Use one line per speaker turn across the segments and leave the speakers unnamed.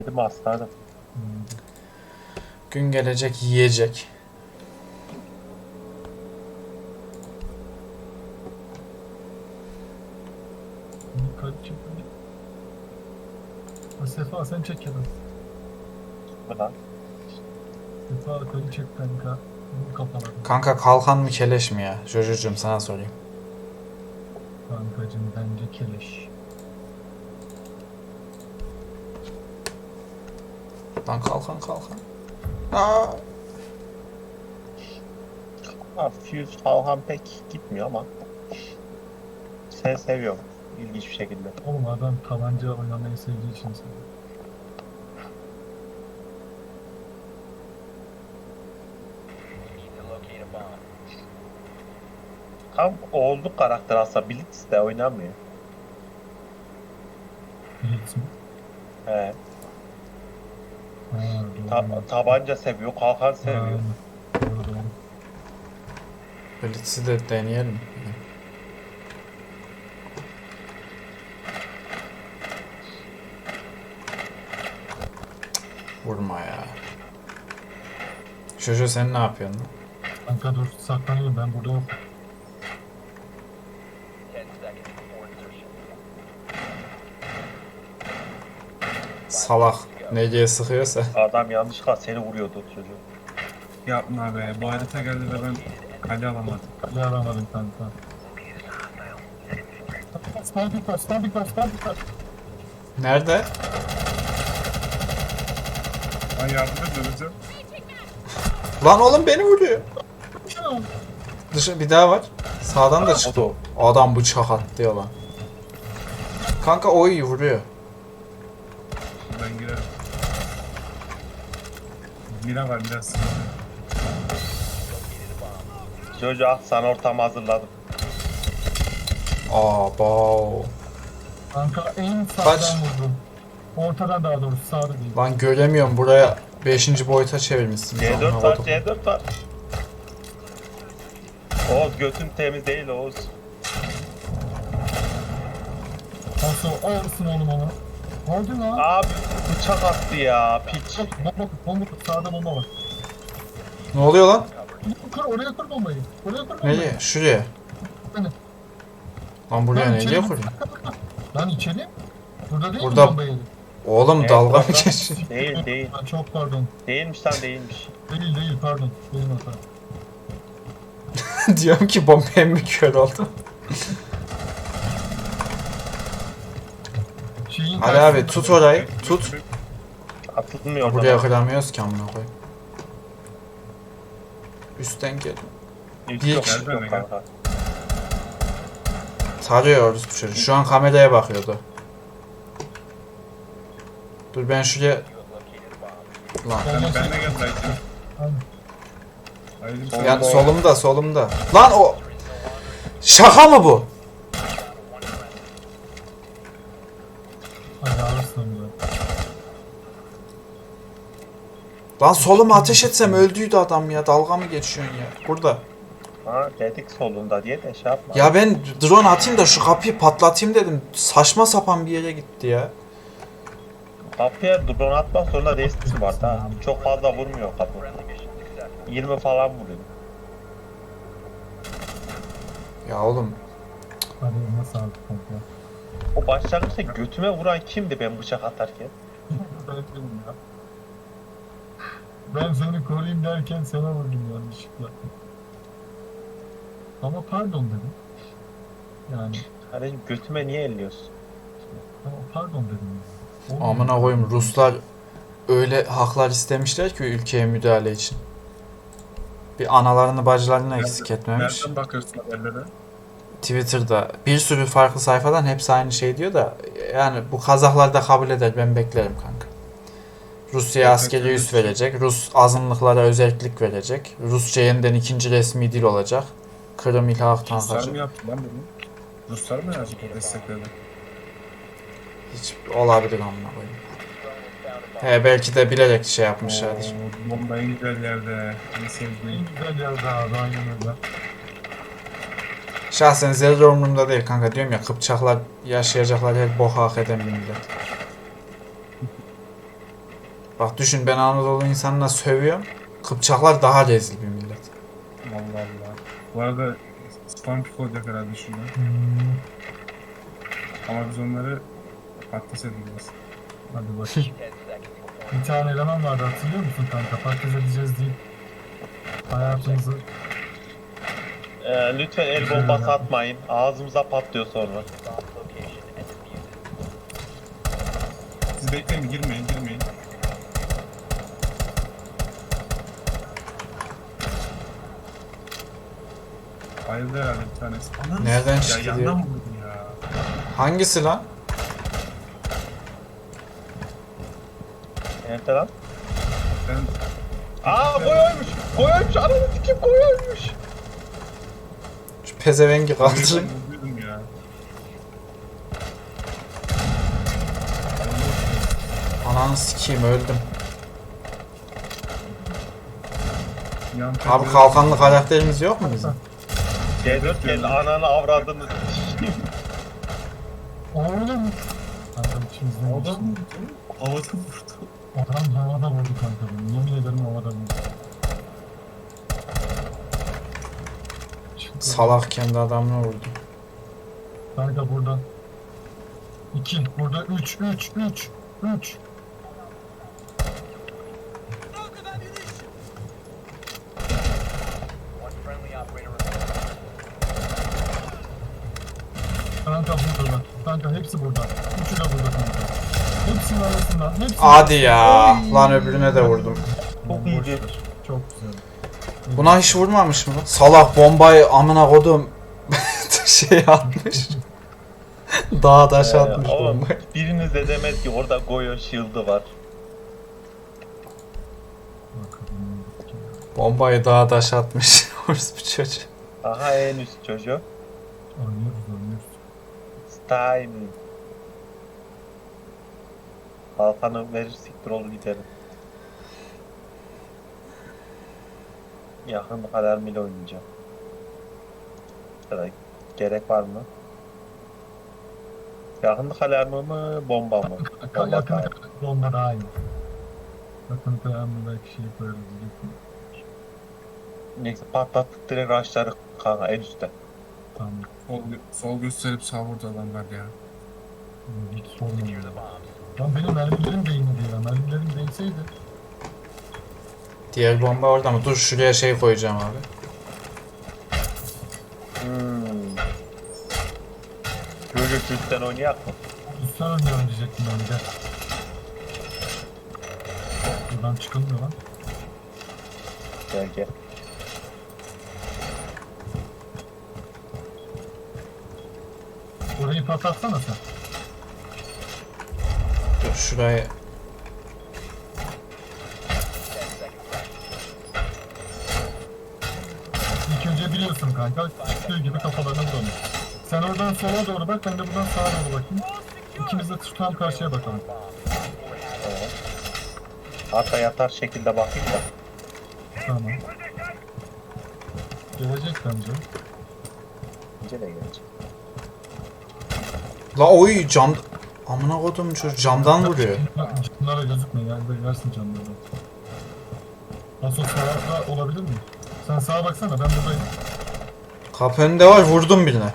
Dedim aslanım.
Gün gelecek yiyecek.
Kaç çekti? Sefa sen çek ya da.
Bu lan.
Sefa yukarı çek kanka. Bunu kapatalım.
Kanka kalkan mı keleş mi ya? Jojo'cum sana sorayım.
Kankacım bence keleş.
Lan kalkan. Aa!
Fuse Falhan pek gitmiyor ama sen seviyorum ilginç bir şekilde.
Oğlum adam tabanca oynamayı sevdiği için seviyor.
Tam oğulluk karakter aslında Blitz de oynamıyor.
Blitz mi?
He.
Ha doğru.
Tabanca seviyor, kalkan seviyor.
Aynen. Doğru.
Blitz'i de deneyelim. Vurma ya. Jojo sen ne yapıyorsun lan?
Kanka dur saklanayım ben burada yok.
Salak. NG'ye sıkıyorsa.
Adam yanlışlıkla seni vuruyordu çocuğu.
Yapma be. Bu harita geldi ve ben kale alamadım.
Ne aramadım kanka. Standing var.
Nerede?
Ben yardım edeceğim.
Lan oğlum beni vuruyor. Bir daha var. Sağdan da çıktı o. Adam bıçak attı ya lan. Kanka o iyi vuruyor.
Ben girerim. Mira var biraz.
Çocuğu al sana ortamı hazırladım.
Abo.
Kanka en
Kaç?
sağdan vurdum. Ortadan daha doğrusu sağda değil.
Lan göremiyorum, buraya 5. boyuta çevirmişsiniz.
C4
Amına
var,
kodum.
C4 var. Oğuz götün temiz değil Oğuz.
Nasıl olsun oğlum onu? Oldu lan.
Abi bıçak attı ya piç.
Bomba sağda bomba var.
Ne oluyor lan?
Oraya kır bombayı. Oraya kır bombayı.
Nereye? Şuraya.
Hani.
Lan buraya
Lan
nereye
içeri-
kurayım?
Lan içeri. Burada değil
Burada-
mi bombayı?
Oğlum
Evet,
dalga mı
orada.
geçiyorsun?
Değil.
Lan çok pardon.
Değilmiş lan değilmiş.
Değil pardon. Benim hata.
Diyorum ki bombaya mı kör oldu? Hadi abi tut orayı. Tut.
Atılmıyor
Buraya
oradan.
kıramıyoruz ki amına koyayım. Üstten gel.
Üst
Bir
yok,
kişi-
üst yok kanka.
Tarıyoruz bu çocuğu. Şu an kameraya bakıyordu. Dur ben şuraya... Lan.
Ben de gel belki. Haydi
Yani solumda. Lan o... Şaka mı bu?
Hadi alırsın bunu.
Lan soluma ateş etsem öldüydü adam ya. Dalga mı geçiyorsun ya? Burada.
Ha dedik solunda diye de şey yapma.
Ya ben drone atayım da şu kapıyı patlatayım dedim. Saçma sapan bir yere gitti ya.
Kapıya drone atmak zorunda değilsin var da. Çok fazla vurmuyor kapı. 20 falan vuruyor.
Ya oğlum.
Hadi nasıl aldık kanka?
O başlangıçta götüme vuran kimdi ben bıçak atarken?
Ben dedim ya. Ben seni koruyayım derken sana vurdum yanlışlıkla. Ama pardon dedim. Yani
Hani götüme niye elliyorsun?
ama pardon dedim. Ya. Olmuyor.
Amına koyayım, Ruslar öyle haklar istemişler ki ülkeye müdahale için. Bir analarını bacılarını eksik etmemiş.
Nereden bakıyorsun haberlere?
Twitter'da bir sürü farklı sayfadan hepsi aynı şey diyor da yani bu Kazaklar da kabul eder, ben beklerim kanka. Rusya
Evet,
askeri
evet.
üs verecek, Rus azınlıklara özellik verecek, Rusça yeniden ikinci resmi dil olacak, Kırım ilhak
Ruslar mı
tankacı.
yaptı lan bunu? Ruslar mı yazdı o destekledi?
Hiç olabilir amına koyayım. He belki de bilerek şey yapmışlardır.
Oo, bomba en güzel yerde. En
En
sevdiğim.
güzel yerde abi aynen öyle.
Şahsen zerre umurumda değil kanka, diyorum ya, Kıpçaklar yaşayacaklar her boka hak eden bir millet. Bak düşün, ben Anadolu insanına sövüyorum. Kıpçaklar daha rezil bir millet.
Allah Allah. Bu arada spam pick olacak herhalde şurada.
Hmm,
Ama biz onları patates edeceğiz.
hadi bakayım. Bir tane eleman vardı, hatırlıyor musun kanka? Patates edeceğiz deyip hayatımızı...
Lütfen el bombası atmayın. Ağzımıza patlıyor sonra.
Siz bekleyin, girmeyin. Ayrıldı herhalde bir tanesi. Anam,
Nereden
ya
çıktı
yandan
diyor.
vurdum ya.
Hangisi lan?
Nerede lan?
Ben
Aa koyuymuş. Koyuymuş. Ananı sikim koyuymuş.
Şu pezevengi kaldırın.
vurdum ya.
Ananı sikeyim, öldüm.
Yan
Abi kalkanlı karakterimiz yok mu bizim?
C4 geldi ananı avradını sikeyim.
Oğlum! Kankam içimizden geçti.
Adam havada vurdu.
Adam havada vurdu kanka beni. Yemin ederim havada vurdu. Çıktı.
Salak kendi adamına vurdu.
Kanka burada. 2, burada 3. Kanka buradalar. Kanka hepsi burada. Üçü de burada kanka. Hepsinin arasında.
Hadi ya. Lan öbürüne de vurdum.
Çok iyiydi.
Çok güzel.
Buna hiç vurmamış mı lan? Salak bombayı amına kodum. Şey atmış. Dağa taş atmış
Oğlum
bombayı.
biriniz de demez ki orada Goyo shield'ı var.
Bakalım.
Bombayı dağa taş atmış. Orası bir çocuk.
Aha en üst çocuğu.
Oynuyoruz.
Stein. Kalkanı verir siktir olur giderim. Yakın alarmıyla oynayacağım. Gerek var mı? Yakınlık alarmı mı, bomba mı? Bomba
Yakın
daha iyi.
bomba daha iyi. Yakın kayanlı belki şey koyarız diyecektim.
Neyse patlattık direkt rushları kanka en üstte.
Tamam.
Sol gösterip sağ vurdu adamlar ya.
Hiç sormuyor. Lan benim mermilerim değmedi ya. Mermilerim değseydi.
Diğer bomba orada mı? Dur şuraya şey koyacağım abi.
Çocuk üstten oynayak mı?
Üstten oynuyorum diyecektim ben de. Buradan çıkılmıyor lan.
Gel gel.
Orayı patlatsana sen.
Dur şurayı.
İlk önce biliyorsun kanka. Çıktığı gibi kafalarına vuralım. Sen oradan sola doğru bak, ben de buradan sağa doğru bakayım. İkimiz de tam karşıya bakalım.
Hatta yatar şekilde bakayım da.
Tamam. Gelecek bence.
İnce de gelecek.
La oy cam... Amına kodum çocuk camdan vuruyor.
Camlara gözükme yani, versin camlara. Nasıl sağda olabilir mi? Sen sağa baksana, ben buradayım.
Kapı önünde var, vurdum birine.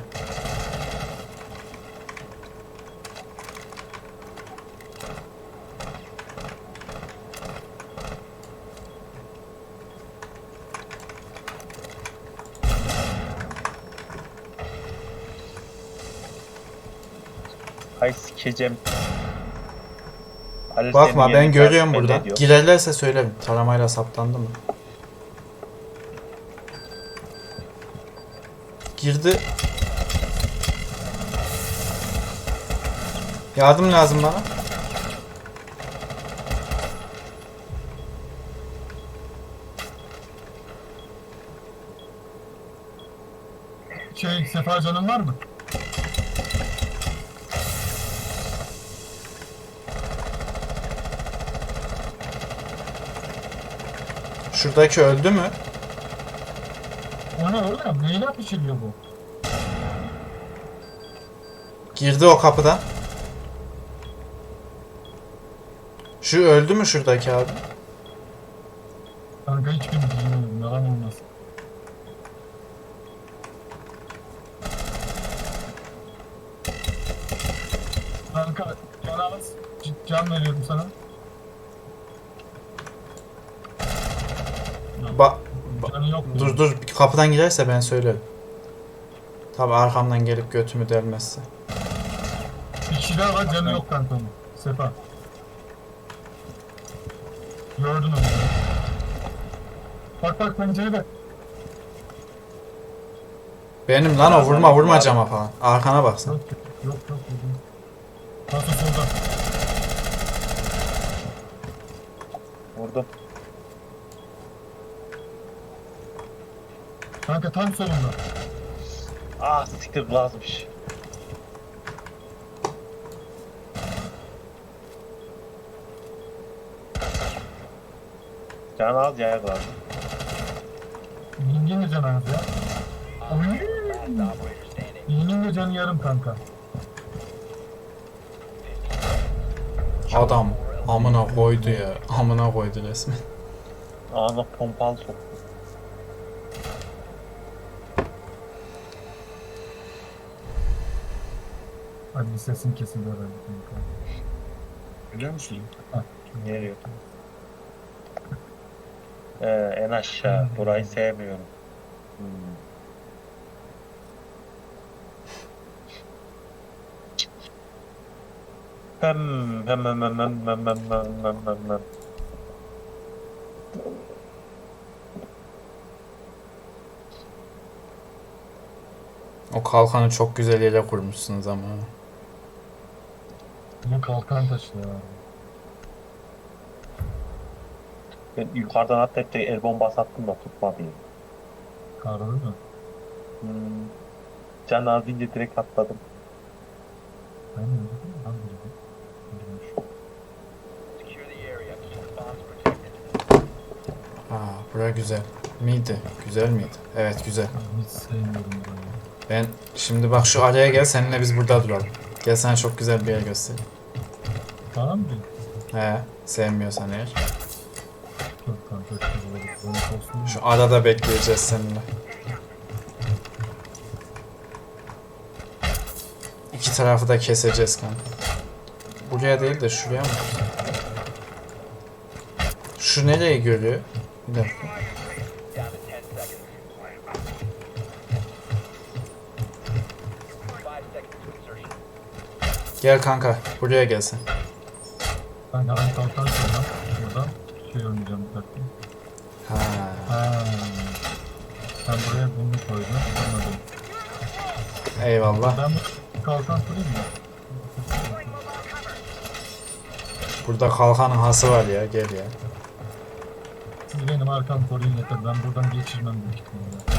Ay sikeceğim. Ali
Bakma
senin
ben
yerin
görüyorum
belli
buradan.
ediyor.
Girerlerse söylerim. Taramayla saptandı mı? Girdi. Yardım lazım bana.
Sefa canın var mı?
Şuradaki öldü mü?
O ne oğlum? Neyle pişiriyor bu?
Girdi o kapıdan. Şu öldü mü şuradaki abi?
Kanka hiçbirini bilmiyorum. Yalan olmaz. Kanka can az. Can veriyorum sana.
Ba
Canı yok.
dur dur kapıdan girerse ben söylerim. Tabi arkamdan gelip götümü delmezse.
Bir kişi daha var canı yok kanka onun. Sefa. Gördün onu. Bak bak pencerede.
Benim lan o vurma cama falan. Arkana baksana.
Yok yok yok. Nasıl solda?
Vurdum.
Kanka tam solunda.
Ah siktir glazmış. Can az ya glaz.
Yengin de canı az ya. Yengin de canı yarım kanka.
Adam amına koydu ya. Amına koydu resmen.
Ağzına pompalı soktu.
Hadi bir sesin kesildi herhalde kanka.
Biliyor musun?
Nereye? En aşağı. Burayı sevmiyorum. Hmm. Hem.
O kalkanı çok güzel yere kurmuşsunuz ama.
Bu kalkan taşı ya.
Ben yukarıdan atlayıp da el bombası attım da tutmadı. Ya.
Karlı mı?
Hmm. Can az deyince direkt atladım.
Ben mi dedim? Ben de dedim.
Ha, bura güzel. Miydi? Güzel miydi? Evet güzel.
Ben hiç sevmiyorum burayı.
Ben şimdi bak şu araya gel seninle biz burada duralım. Gel sana çok güzel bir yer göstereyim.
Tamam mı?
He, sevmiyorsan eğer.
Yok kanka. Çok olsun.
Şu arada bekleyeceğiz seninle. İki tarafı da keseceğiz kanka. Buraya değil de şuraya mı? Şu nereyi görüyor? Bir dakika. Gel kanka, buraya gelsin.
Ben hemen kalkan sonra buradan şey oynayacağım bir dakika.
Ha.
Ha. Sen buraya bunu koydun. Anladım.
Eyvallah.
Ben bu kalkan kurayım mı?
Burada kalkanın hası var ya, gel ya.
Siz benim arkam koruyun yeter. Ben buradan geçirmem büyük ihtimalle.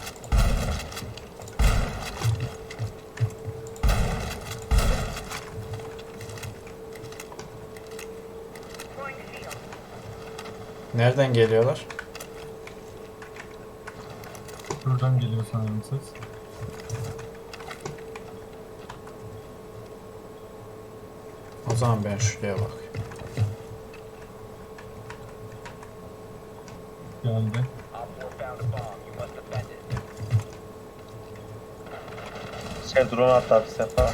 Nereden geliyorlar?
Buradan geliyor sanırım ses.
O zaman ben şuraya bak.
Geldi.
Şey drone attı bir sefer.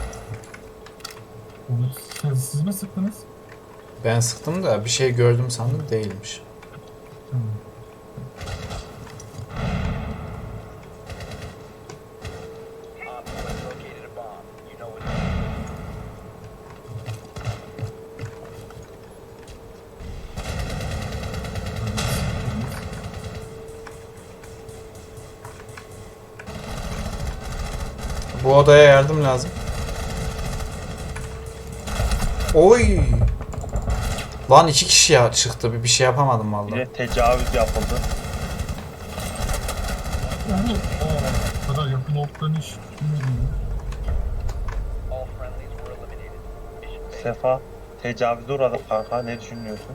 Onu siz mi sıktınız?
Ben sıktım da bir şey gördüm sandım değilmiş.
Hmm.
Bu odaya yardım lazım. Oy! Lan iki kişi ya çıktı. Bir şey yapamadım vallahi.
Bir de tecavüz yapıldı.
Bu kadar yakın olduklarını hiç bilmiyordum ya.
Sefa tecavüze uğradık kanka, ne düşünüyorsun?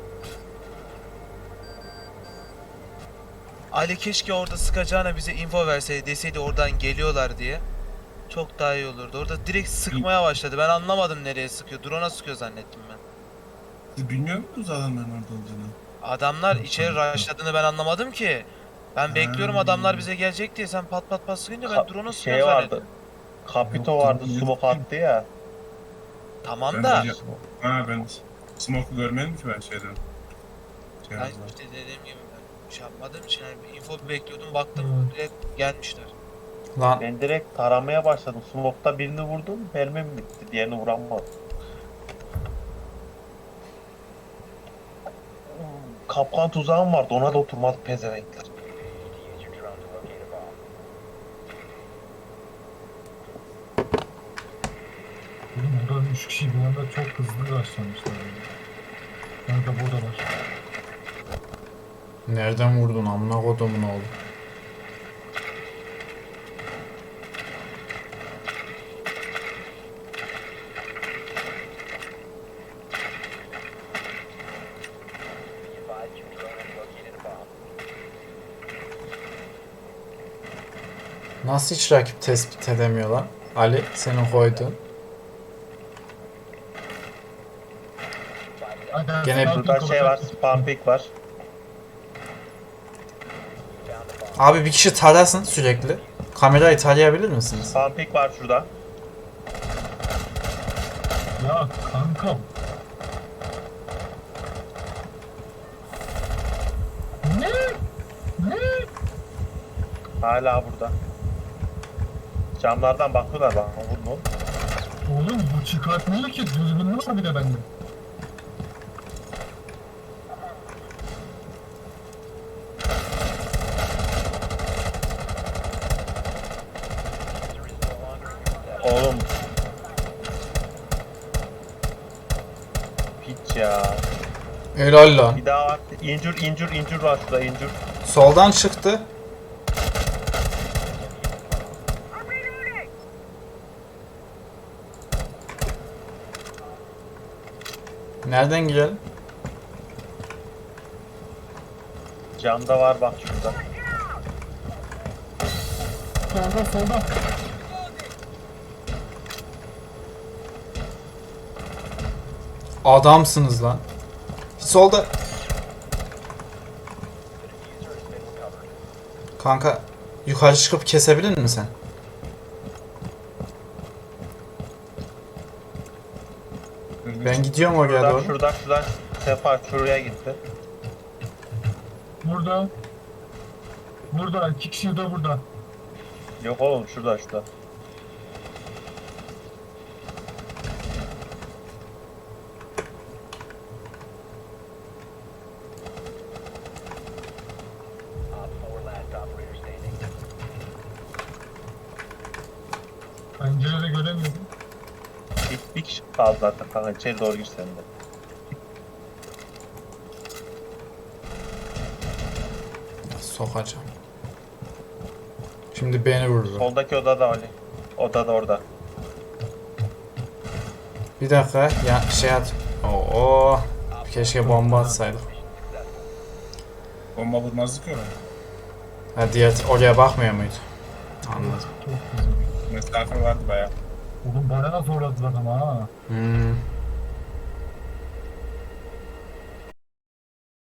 Ali keşke orada sıkacağına bize info verseydi, deseydi oradan geliyorlar diye. Çok daha iyi olurdu. Orada direkt sıkmaya başladı. Ben anlamadım nereye sıkıyor. Drone'a sıkıyor zannettim ben.
Siz bilmiyor musunuz adamların orada olduğunu?
Adamlar içeri rushladığını ben anlamadım ki. Ben bekliyorum adamlar bize gelecek diye sen pat pat pat sıkınca ben drone'u
Şey
sıkıyorum
vardı.
zannettim.
Kapito
Yok,
vardı,
yok.
smoke attı ya.
Tamam
Ben
da.
de- Ha ben smoke'u görmedim ki ben şeyden. Şey
Ben
yazdım.
işte dediğim gibi ben şey yapmadığım için yani bir info bekliyordum baktım
Hmm.
direkt gelmişler.
Lan
Ben direkt taramaya başladım. Smoke'ta birini vurdum, mermim bitti. Diğerini vuramadım. Kapkan tuzağım vardı, ona da oturmadık pezevenkler.
Oğlum burada 3 kişi bir anda çok hızlı başlamışlar. Kanka buradalar.
nereden vurdun amına kodumun oğlu? Nasıl hiç rakip tespit edemiyor lan? Ali senin koyduğun.
Aga,
Gene
sniper
Burada şey var,
olacak.
spam pick var.
Abi bir kişi tarasın sürekli. Kamerayı tarayabilir misiniz?
Spam pick var şurada.
Ya kankam. Ne? Ne?
Hala burada. Camlardan bakıyorlar bak. Vurun oğlum.
Oğlum bu çıkartmıyor ki. Düzgün var bir de bende.
Oğlum. Piç ya.
Helal lan.
Bir daha var. İncir var şurada incir.
Soldan çıktı. Nereden girelim?
Camda var bak şurada.
Solda.
Adamsınız lan. Solda. Kanka yukarı çıkıp kesebilir misin sen? Ben gidiyorum oraya doğru.
Şuradan Sefa şuraya gitti.
Burada. Burada. 2 kişi de burada.
Yok oğlum şurada.
Pencerede göremiyorum.
Bir kişi kaldı zaten kanka, içeri doğru gir sen de.
Sokacağım. Şimdi beni vurur.
Soldaki odada Ali. Odada orada.
Bir dakika ya şey at. Oo. Keşke bomba atsaydık.
Bomba vurmazdık ya.
Ha diğer oraya bakmıyor muydu? Anladım.
Çok güzel.
Mesafe vardı bayağı.
Oğlum bayağı zorladılar ama ha.
Hmm.